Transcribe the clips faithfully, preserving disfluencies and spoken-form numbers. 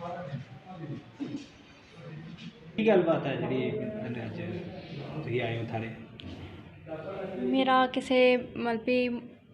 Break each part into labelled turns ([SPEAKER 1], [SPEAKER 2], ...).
[SPEAKER 1] ਕੀ ਗੱਲਬਾਤ ਹੈ ਜਿਹੜੀ ਅੱਜ ਤੁਸੀਂ ਆਏ ਹੋ ਥਾਣੇ?
[SPEAKER 2] ਮੇਰਾ ਕਿਸੇ ਮਤਲਬ ਵੀ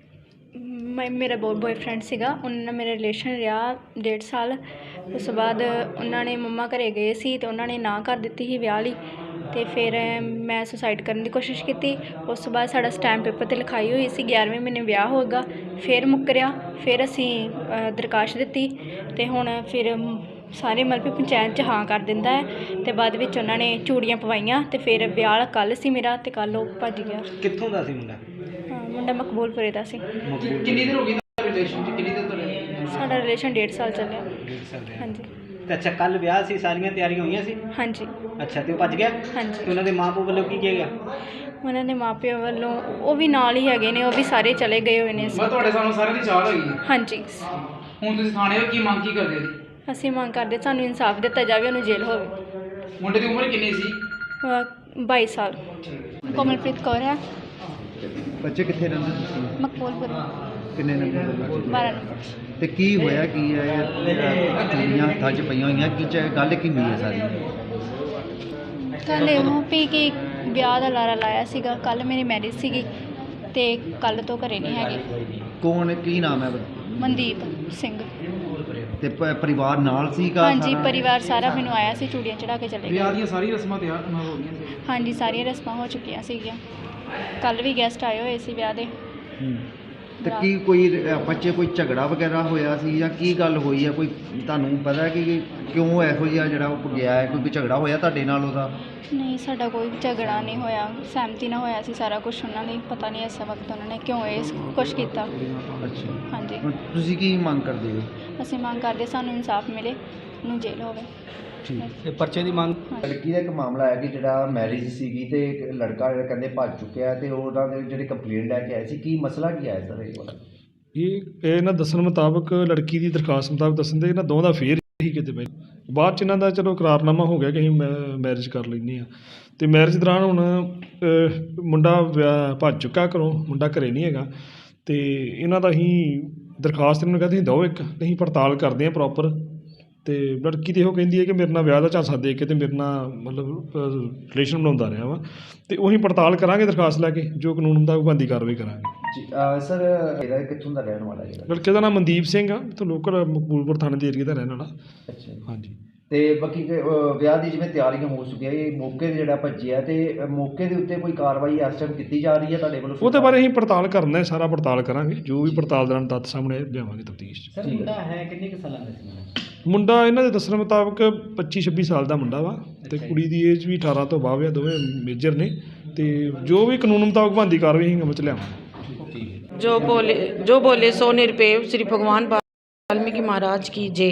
[SPEAKER 2] ਮੈਂ ਮੇਰਾ ਬੋ ਬੋਏਫਰੈਂਡ ਸੀਗਾ, ਉਹਨਾਂ ਨਾਲ ਮੇਰਾ ਰਿਲੇਸ਼ਨ ਰਿਹਾ ਡੇਢ ਸਾਲ। ਉਸ ਤੋਂ ਬਾਅਦ ਉਹਨਾਂ ਨੇ ਮੰਮਾ ਘਰ ਗਏ ਸੀ ਅਤੇ ਉਹਨਾਂ ਨੇ ਨਾ ਕਰ ਦਿੱਤੀ ਸੀ ਵਿਆਹ ਲਈ, ਅਤੇ ਫਿਰ ਮੈਂ ਸੁਸਾਈਡ ਕਰਨ ਦੀ ਕੋਸ਼ਿਸ਼ ਕੀਤੀ। ਉਸ ਤੋਂ ਬਾਅਦ ਸਾਡਾ ਸਟੈਂਪ ਪੇਪਰ 'ਤੇ ਲਿਖਾਈ ਹੋਈ ਸੀ ਗਿਆਰ੍ਹਵੇਂ ਮਹੀਨੇ ਵਿਆਹ ਹੋਏਗਾ, ਫਿਰ ਮੁੱਕਰਿਆ। ਫਿਰ ਅਸੀਂ ਦਰਖਾਸਤ ਦਿੱਤੀ ਅਤੇ ਹੁਣ ਫਿਰ ਸਾਰੇ ਮਤਲਬ ਵੀ ਪੰਚਾਇਤ 'ਚ ਹਾਂ ਕਰ ਦਿੰਦਾ ਹੈ, ਅਤੇ ਬਾਅਦ ਵਿੱਚ ਉਹਨਾਂ ਨੇ ਚੂੜੀਆਂ ਪਵਾਈਆਂ ਅਤੇ ਫਿਰ ਵਿਆਹ ਕੱਲ੍ਹ ਸੀ ਮੇਰਾ, ਅਤੇ ਕੱਲ੍ਹ ਉਹ ਭੱਜ ਗਿਆ।
[SPEAKER 1] ਕਿੱਥੋਂ ਦਾ ਸੀ ਮੁੰਡਾ?
[SPEAKER 2] ਹਾਂ, ਮੁੰਡਾ ਮਕਬੂਲਪੁਰੇ ਦਾ ਸੀ।
[SPEAKER 3] ਕਿੰਨੀ ਦੇਰ ਹੋ ਗਈ ਰਿਲੇਸ਼ਨ ਚ? ਕਿੰਨੀ ਦੇਰ ਤੋਂ ਰਹੇ?
[SPEAKER 2] ਸਾਡਾ ਰਿਲੇਸ਼ਨ ਡੇਢ ਸਾਲ ਚੱਲਿਆ।
[SPEAKER 1] ਡੇਢ ਸਾਲ ਰਿਹਾ।
[SPEAKER 2] ਹਾਂਜੀ
[SPEAKER 1] ਤੇ ਅੱਛਾ, ਕੱਲ ਵਿਆਹ ਸੀ, ਸਾਰੀਆਂ ਤਿਆਰੀਆਂ ਹੋਈਆਂ ਸੀ?
[SPEAKER 2] ਹਾਂਜੀ
[SPEAKER 1] ਅੱਛਾ, ਤੇ ਉਹ ਭੱਜ ਗਿਆ?
[SPEAKER 2] ਹਾਂਜੀ।
[SPEAKER 1] ਤੇ ਉਹਨਾਂ ਦੇ ਮਾਂ ਪਿਓ ਵੱਲੋਂ ਕੀ ਕਿਹਾ ਗਿਆ?
[SPEAKER 2] ਉਹਨਾਂ ਦੇ ਮਾਪਿਆਂ ਵੱਲੋਂ ਉਹ ਵੀ ਨਾਲ ਹੀ ਹੈਗੇ ਨੇ, ਉਹ ਵੀ ਸਾਰੇ ਚਲੇ ਗਏ ਹੋਏ ਨੇ।
[SPEAKER 3] ਮੈਂ ਤੁਹਾਡੇ ਸਾਹਮਣੇ ਸਾਰਿਆਂ ਦੀ ਚਾਲ ਹੋਈ ਹੈ।
[SPEAKER 2] ਹਾਂਜੀ।
[SPEAKER 3] ਹੁਣ ਤੁਸੀਂ ਥਾਣੇ ਹੋ, ਕੀ ਮੰਗ ਕੀ ਕਰਦੇ ਜੀ?
[SPEAKER 2] ਅਸੀਂ ਮੰਗ ਕਰਦੇ ਸਾਨੂੰ ਇਨਸਾਫ ਦਿੱਤਾ ਜਾਵੇ, ਉਹਨੂੰ ਜੇਲ੍ਹ ਹੋਵੇ।
[SPEAKER 3] ਮੁੰਡੇ ਦੀ ਉਮਰ ਕਿੰਨੀ ਸੀ?
[SPEAKER 2] ਅਹ ਬਾਈ ਸਾਲ। ਕੋਮਲਪ੍ਰੀਤ ਕੌਰ ਹੈ।
[SPEAKER 4] ਬੱਚੇ ਕਿੱਥੇ ਰਹਿੰਦੇ ਤੁਸੀਂ?
[SPEAKER 2] ਮਕਬੂਲਪੁਰ
[SPEAKER 4] ਕਿੰਨੇ ਨੰਬਰ ਦੇ ਬੱਚੇ?
[SPEAKER 2] ਬਾਰਾਂ ਨੰਬਰ।
[SPEAKER 4] ਤੇ ਕੀ ਹੋਇਆ ਕੀ ਹੈ? ਇਹ ਚੂੜੀਆਂ ਹੱਥਾਂ 'ਚ ਪਈਆਂ ਹੋਈਆਂ, ਕੀ ਚ ਗੱਲ ਕੀ ਹੋਈ ਹੈ ਸਾਰੀ?
[SPEAKER 2] ਕੱਲ੍ਹ ਇਹੋ ਵੀ ਕਿ ਵਿਆਹ ਦਾ ਲਾਰਾ ਲਾਇਆ ਸੀਗਾ। ਕੱਲ੍ਹ ਮੇਰੀ ਮੈਰਿਜ ਸੀਗੀ ਅਤੇ ਕੱਲ੍ਹ ਤੋਂ ਘਰੇ ਨਹੀਂ ਹੈਗੇ।
[SPEAKER 4] ਕੌਣ, ਕੀ ਨਾਮ ਹੈ?
[SPEAKER 2] ਮਨਦੀਪ ਸਿੰਘ।
[SPEAKER 4] ਤੇ ਪ- ਪਰਿਵਾਰ ਨਾਲ ਸੀਗਾ?
[SPEAKER 2] ਹਾਂਜੀ,
[SPEAKER 4] ਸਾਰਾ?
[SPEAKER 2] ਪਰਿਵਾਰ ਸਾਰਾ ਮੈਨੂੰ ਆਇਆ ਸੀ, ਚੂੜੀਆਂ ਚੜਾ ਕੇ ਚਲੇ
[SPEAKER 3] ਵਿਆਹ
[SPEAKER 2] ਗਏ।
[SPEAKER 3] ਦੀਆਂ ਸਾਰੀ ਰਸਮਾਂ ਤਿਆਰ ਹੋ ਗਈਆਂ ਸੀ?
[SPEAKER 2] ਹਾਂਜੀ, ਸਾਰੀਆਂ ਰਸਮਾਂ ਹੋ ਚੁੱਕੀਆਂ ਸੀਗੀਆਂ। ਕੱਲ੍ਹ ਵੀ ਗੈਸਟ ਆਏ ਹੋਏ ਸੀ ਵਿਆਹ ਦੇ।
[SPEAKER 4] ਹੂੰ। ਤੇ ਕੀ ਕੋਈ ਬੱਚੇ ਕੋਈ ਝਗੜਾ ਵਗੈਰਾ ਹੋਇਆ ਸੀ ਜਾਂ ਕੀ ਗੱਲ ਹੋਈ ਹੈ? ਕੋਈ ਤੁਹਾਨੂੰ ਪਤਾ ਹੈ ਕਿ ਕਿਉਂ ਇਹੋ ਜਿਹਾ ਜਿਹੜਾ ਉਹ ਗਿਆ ਹੈ? ਕੋਈ ਝਗੜਾ ਹੋਇਆ ਤੁਹਾਡੇ ਨਾਲ ਉਹਦਾ?
[SPEAKER 2] ਨਹੀਂ, ਸਾਡਾ ਕੋਈ ਝਗੜਾ ਨਹੀਂ ਹੋਇਆ, ਸਹਿਮਤੀ ਨਾਲ ਹੋਇਆ ਸੀ ਸਾਰਾ ਕੁਝ। ਉਹਨਾਂ ਨੇ ਪਤਾ ਨਹੀਂ ਇਸ ਵਕਤ ਉਹਨਾਂ ਨੇ ਕਿਉਂ ਇਹ ਕੁਛ ਕੀਤਾ।
[SPEAKER 4] ਅੱਛਾ।
[SPEAKER 2] ਹਾਂਜੀ।
[SPEAKER 4] ਹੁਣ ਤੁਸੀਂ ਕੀ ਮੰਗ ਕਰਦੇ ਹੋ?
[SPEAKER 2] ਅਸੀਂ ਮੰਗ ਕਰਦੇ ਸਾਨੂੰ ਇਨਸਾਫ ਮਿਲੇ, ਉਹਨੂੰ ਜੇਲ੍ਹ ਹੋਵੇ।
[SPEAKER 4] ਠੀਕ।
[SPEAKER 1] ਇਹ ਪਰਚੇ ਦੀ ਮੰਗ?
[SPEAKER 4] ਲੜਕੀ ਦਾ ਇੱਕ ਮਾਮਲਾ ਹੈ ਕਿ ਜਿਹੜਾ ਮੈਰਿਜ ਸੀਗੀ ਤੇ ਇੱਕ ਲੜਕਾ ਜਿਹੜਾ ਕਹਿੰਦੇ ਭੱਜ ਚੁੱਕਿਆ ਤੇ ਉਹਨਾਂ ਦੇ ਜਿਹੜੇ ਕੰਪਲੇਂਟ ਲੈ ਕੇ ਆਏ ਸੀ, ਕੀ ਮਸਲਾ ਕੀ ਆਇਆ ਸਰ ਇਹ ਵਾਲਾ?
[SPEAKER 5] ਇਹ ਇਹਨਾਂ ਦੱਸਣ ਮੁਤਾਬਕ, ਲੜਕੀ ਦੀ ਦਰਖਾਸਤ ਮੁਤਾਬਕ ਦੱਸਣ ਦੇ ਇਹਨਾਂ ਦੋਵਾਂ ਦਾ ਫੇਰ ਹੀ ਕਿਤੇ ਪਹਿਲਾਂ ਬਾਅਦ 'ਚ ਇਹਨਾਂ ਦਾ ਚਲੋ ਇਕਰਾਰਨਾਮਾ ਹੋ ਗਿਆ ਕਿ ਅਸੀਂ ਮੈ ਮੈਰਿਜ ਕਰ ਲੈਂਦੇ ਹਾਂ। ਅਤੇ ਮੈਰਿਜ ਦੌਰਾਨ ਹੁਣ ਅਹ, ਮੁੰਡਾ ਵਿਆਹ ਭੱਜ ਚੁੱਕਾ ਘਰੋਂ, ਮੁੰਡਾ ਘਰੇ ਨਹੀਂ ਹੈਗਾ। ਅਤੇ ਇਹਨਾਂ ਦਾ ਅਸੀਂ ਦਰਖਾਸਤ ਇਹਨਾਂ ਨੂੰ ਕਹਿੰਦੇ ਅਸੀਂ ਦਿਓ ਇੱਕ, ਅਸੀਂ ਪੜਤਾਲ ਕਰਦੇ ਹਾਂ ਪ੍ਰੋਪਰ। ਅਤੇ ਲੜਕੀ ਤਾਂ ਇਹੋ ਕਹਿੰਦੀ ਹੈ ਕਿ ਮੇਰੇ ਨਾਲ ਵਿਆਹ ਦਾ ਝਾਂਸਾ ਦੇ ਕੇ ਅਤੇ ਮੇਰੇ ਨਾਲ ਮਤਲਬ ਰਿਲੇਸ਼ਨ ਬਣਾਉਂਦਾ ਰਿਹਾ ਵਾ। ਅਤੇ ਉਹੀ ਪੜਤਾਲ ਕਰਾਂਗੇ ਦਰਖਾਸਤ ਲੈ ਕੇ, ਜੋ ਕਾਨੂੰਨ ਮੁਤਾਬਕ ਬਣਦੀ ਕਾਰਵਾਈ ਕਰਾਂਗੇ।
[SPEAKER 4] ਜੀ ਸਰ, ਇਹਦਾ ਕਿੱਥੋਂ ਦਾ ਰਹਿਣ ਵਾਲਾ ਜਿਹੜਾ?
[SPEAKER 5] ਲੜਕੇ ਦਾ ਨਾਮ ਮਨਦੀਪ ਸਿੰਘ ਆ, ਇੱਥੋਂ ਲੋਕਲ ਮਕਬੂਲਪੁਰ ਥਾਣੇ ਦੇ ਏਰੀਏ ਦਾ ਰਹਿਣ ਵਾਲਾ।
[SPEAKER 4] ਅੱਛਾ ਜੀ।
[SPEAKER 5] ਹਾਂਜੀ।
[SPEAKER 4] ਤੇ ਬਾਕੀ ਕਿ, ਅਹ, ਵਿਆਹ ਦੀ ਜਿਵੇਂ ਤਿਆਰੀਆਂ ਹੋ ਚੁੱਕੀਆਂ, ਇਹ ਮੌਕੇ 'ਤੇ ਜਿਹੜਾ ਭੱਜਿਆ ਤੇ ਮੌਕੇ ਦੇ ਉੱਤੇ ਕੋਈ ਕਾਰਵਾਈ ਇਸ ਟਾਈਮ ਕੀਤੀ ਜਾ ਰਹੀ ਹੈ ਤੁਹਾਡੇ ਵੱਲੋਂ?
[SPEAKER 5] ਉਹਦੇ ਬਾਰੇ ਅਸੀਂ ਪੜਤਾਲ ਕਰਨਾ ਹੈ, ਸਾਰਾ ਪੜਤਾਲ ਕਰਾਂਗੇ, ਜੋ ਵੀ ਪੜਤਾਲ ਦੌਰਾਨ ਤੱਥ ਸਾਹਮਣੇ ਲਿਆਵਾਂਗੇ ਤਫਤੀਸ਼ 'ਚ।
[SPEAKER 1] ਸਰ, ਮੁੰਡਾ ਹੈ ਕਿੰਨੇ ਕੁ ਸਾਲਾਂ ਦਾ ਸੀ?
[SPEAKER 5] ਮੁੰਡਾ ਇਹਨਾਂ ਦੇ ਦੱਸਣ ਮੁਤਾਬਕ ਪੱਚੀ ਛੱਬੀ ਸਾਲ ਦਾ ਮੁੰਡਾ ਵਾ, ਅਤੇ ਕੁੜੀ ਦੀ ਏਜ ਵੀ ਅਠਾਰਾਂ ਤੋਂ ਬਾਅਦ ਆ, ਦੋਵੇਂ ਮੇਜਰ ਨੇ। ਅਤੇ ਜੋ ਵੀ ਕਾਨੂੰਨ ਮੁਤਾਬਕ ਬਣਦੀ ਕਾਰਵਾਈ ਅਸੀਂ ਅਮਲ 'ਚ ਲਿਆਵਾਂਗੇ।
[SPEAKER 6] जो बोले जो बोले सो निरपेव श्री भगवान वाल्मीकि महाराज की जय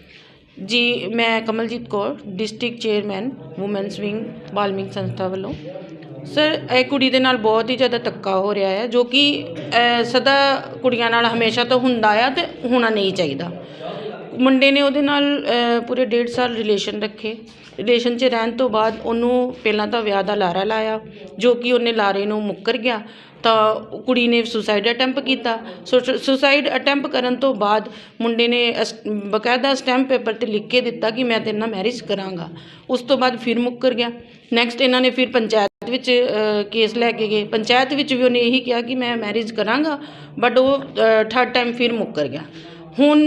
[SPEAKER 6] जी। मैं Kamaljeet Kaur, district chairman women's wing Valmiki संस्था ਵੱਲੋਂ। ਸਰ, ਇਹ ਕੁੜੀ ਦੇ ਨਾਲ ਬਹੁਤ ਹੀ ਜ਼ਿਆਦਾ ਧੱਕਾ ਹੋ ਰਿਹਾ ਹੈ, ਜੋ ਕਿ ਸਦਾ ਕੁੜੀਆਂ ਨਾਲ ਹਮੇਸ਼ਾ ਤੋਂ ਹੁੰਦਾ ਆ ਅਤੇ ਹੋਣਾ ਨਹੀਂ ਚਾਹੀਦਾ। ਮੁੰਡੇ ਨੇ ਉਹਦੇ ਨਾਲ ਪੂਰੇ ਡੇਢ ਸਾਲ ਰਿਲੇਸ਼ਨ ਰੱਖੇ। ਰਿਲੇਸ਼ਨ 'ਚ ਰਹਿਣ ਤੋਂ ਬਾਅਦ ਉਹਨੂੰ ਪਹਿਲਾਂ ਤਾਂ ਵਿਆਹ ਦਾ ਲਾਰਾ ਲਾਇਆ, ਜੋ ਕਿ ਉਹਨੇ ਲਾਰੇ ਨੂੰ ਮੁੱਕਰ ਗਿਆ। ਤਾਂ ਕੁੜੀ ਨੇ ਸੁਸਾਈਡ ਅਟੈਂਪ ਕੀਤਾ। ਸੁਸਾਈਡ ਅਟੈਂਪ ਕਰਨ ਤੋਂ ਬਾਅਦ ਮੁੰਡੇ ਨੇ ਅਸ ਬਕਾਇਦਾ ਸਟੈਂਪ ਪੇਪਰ 'ਤੇ ਲਿਖ ਕੇ ਦਿੱਤਾ ਕਿ ਮੈਂ ਤੇਰੇ ਨਾਲ ਮੈਰਿਜ ਕਰਾਂਗਾ। ਉਸ ਤੋਂ ਬਾਅਦ ਫਿਰ ਮੁੱਕਰ ਗਿਆ। ਨੈਕਸਟ ਇਹਨਾਂ ਨੇ ਫਿਰ ਪੰਚਾਇਤ ਵਿੱਚ ਕੇਸ ਲੈ ਕੇ ਗਏ। ਪੰਚਾਇਤ ਵਿੱਚ ਵੀ ਉਹਨੇ ਇਹੀ ਕਿਹਾ ਕਿ ਮੈਂ ਮੈਰਿਜ ਕਰਾਂਗਾ, ਬਟ ਉਹ ਥਰਡ ਟਾਈਮ ਫਿਰ ਮੁੱਕਰ ਗਿਆ। ਹੁਣ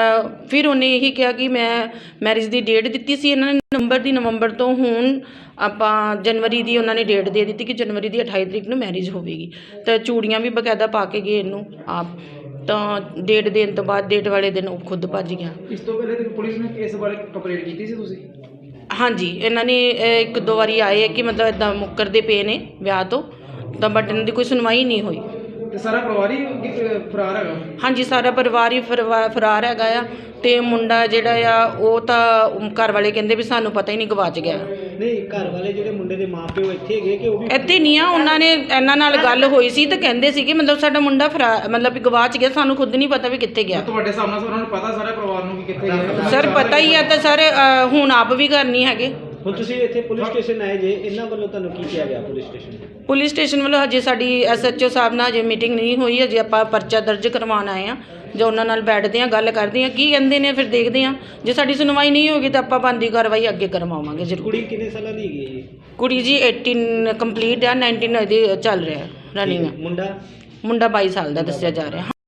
[SPEAKER 6] ਫਿਰ ਉਹਨੇ ਇਹੀ ਕਿਹਾ ਕਿ ਮੈਂ ਮੈਰਿਜ ਦੀ ਡੇਟ ਦਿੱਤੀ ਸੀ ਇਹਨਾਂ ਨੇ ਨਵੰਬਰ ਦੀ, ਨਵੰਬਰ ਤੋਂ ਹੁਣ ਆਪਾਂ ਜਨਵਰੀ ਦੀ ਉਹਨਾਂ ਨੇ ਡੇਟ ਦੇ ਦਿੱਤੀ ਕਿ ਜਨਵਰੀ ਦੀ ਅਠਾਈ ਤਰੀਕ ਨੂੰ ਮੈਰਿਜ ਹੋਵੇਗੀ। ਤਾਂ ਚੂੜੀਆਂ ਵੀ ਬਕਾਇਦਾ ਪਾ ਕੇ ਗਏ ਇਹਨੂੰ ਆਪ। ਤਾਂ ਡੇਟ ਦੇਣ ਤੋਂ ਬਾਅਦ ਡੇਟ ਵਾਲੇ ਦਿਨ ਉਹ ਖੁਦ ਭੱਜ ਗਿਆ।
[SPEAKER 3] ਇਸ ਤੋਂ ਪਹਿਲੇ ਪੁਲਿਸ ਨੇ ਇਸ ਬਾਰੇ ਕੰਪਲੇਂਟ ਕੀਤੀ ਸੀ ਤੁਸੀਂ?
[SPEAKER 6] ਹਾਂਜੀ, ਇਹਨਾਂ ਨੇ ਇੱਕ ਦੋ ਵਾਰੀ ਆਏ ਕਿ ਮਤਲਬ ਇੱਦਾਂ ਮੁੱਕਰਦੇ ਪਏ ਨੇ ਵਿਆਹ ਤੋਂ, ਤਾਂ ਬਟ ਇਹਨਾਂ ਦੀ ਕੋਈ ਸੁਣਵਾਈ ਨਹੀਂ ਹੋਈ।
[SPEAKER 3] ਤੇ ਸਾਰਾ ਪਰਿਵਾਰ ਹੀ ਫਰਾਰ ਹੈਗਾ?
[SPEAKER 6] ਹਾਂਜੀ, ਸਾਰਾ ਪਰਿਵਾਰ ਹੀ ਫਰਵਾ ਫਰਾਰ ਹੈਗਾ ਆ। ਅਤੇ ਮੁੰਡਾ ਜਿਹੜਾ ਆ ਉਹ ਤਾਂ ਘਰ ਵਾਲੇ ਕਹਿੰਦੇ ਵੀ ਸਾਨੂੰ ਪਤਾ ਹੀ ਨਹੀਂ, ਗਵਾਚ ਗਿਆ।
[SPEAKER 1] ਨਹੀਂ, ਘਰ ਵਾਲੇ ਜਿਹੜੇ ਮੁੰਡੇ ਦੇ ਮਾਂ ਪਿਓ ਇੱਥੇ ਹੈਗੇ ਕਿ ਉਹ ਵੀ?
[SPEAKER 6] ਇੱਥੇ ਨਹੀਂ ਆ, ਉਹਨਾਂ ਨੇ ਇਹਨਾਂ ਨਾਲ ਗੱਲ ਹੋਈ ਸੀ ਤਾਂ ਕਹਿੰਦੇ ਸੀ ਕਿ ਮਤਲਬ ਸਾਡਾ ਮੁੰਡਾ ਫਰਾ ਮਤਲਬ ਵੀ ਗਵਾਚ ਗਿਆ, ਸਾਨੂੰ ਖੁਦ ਨਹੀਂ ਪਤਾ ਵੀ ਕਿੱਥੇ ਗਿਆ।
[SPEAKER 3] ਤੁਹਾਡੇ ਸਾਹਮਣੇ ਉਹਨਾਂ ਨੂੰ ਪਤਾ ਸਾਰੇ ਪਰਿਵਾਰ ਨੂੰ ਕਿ ਕਿੱਥੇ ਗਿਆ?
[SPEAKER 6] ਸਰ, ਪਤਾ ਹੀ ਆ ਤਾਂ ਸਰ ਹੁਣ ਆਪ ਵੀ ਘਰ ਨਹੀਂ ਹੈਗੇ।
[SPEAKER 1] ਹੁਣ ਤੁਸੀਂ ਇੱਥੇ ਪੁਲਿਸ ਸਟੇਸ਼ਨ ਆਏ ਜੇ, ਇਹਨਾਂ ਵੱਲੋਂ ਤੁਹਾਨੂੰ ਕੀ ਕਿਹਾ ਗਿਆ ਪੁਲਿਸ ਸਟੇਸ਼ਨ?
[SPEAKER 6] ਪੁਲਿਸ ਸਟੇਸ਼ਨ ਵੱਲੋਂ ਹਜੇ ਸਾਡੀ ਐਸ ਐਚ ਓ ਸਾਹਿਬ ਨਾਲ ਹਜੇ ਮੀਟਿੰਗ ਨਹੀਂ ਹੋਈ, ਹਜੇ ਆਪਾਂ ਪਰਚਾ ਦਰਜ ਕਰਵਾਉਣ ਆਏ ਹਾਂ। ਜੋ ਉਹਨਾਂ ਨਾਲ ਬੈਠਦੇ ਹਾਂ, ਗੱਲ ਕਰਦੇ ਹਾਂ, ਕੀ ਕਹਿੰਦੇ ਨੇ ਫਿਰ ਦੇਖਦੇ ਹਾਂ। ਜੇ ਸਾਡੀ ਸੁਣਵਾਈ ਨਹੀਂ ਹੋਗੀ ਤਾਂ ਆਪਾਂ ਬਣਦੀ ਕਾਰਵਾਈ ਅੱਗੇ ਕਰਵਾਵਾਂਗੇ ਜ਼ਰੂਰ।
[SPEAKER 1] ਕੁੜੀ ਕਿੰਨੇ ਸਾਲਾਂ ਦੀ ਹੈਗੀ ਹੈ ਜੀ?
[SPEAKER 6] ਕੁੜੀ ਜੀ ਅਠਾਰਾਂ ਕੰਪਲੀਟ ਆ, ਉਨੱਤੀ ਇਹਦੀ ਚੱਲ ਰਿਹਾ ਰਨਿੰਗ।
[SPEAKER 1] ਮੁੰਡਾ?
[SPEAKER 6] ਮੁੰਡਾ ਬਾਈ ਸਾਲ ਦਾ ਦੱਸਿਆ ਜਾ ਰਿਹਾ।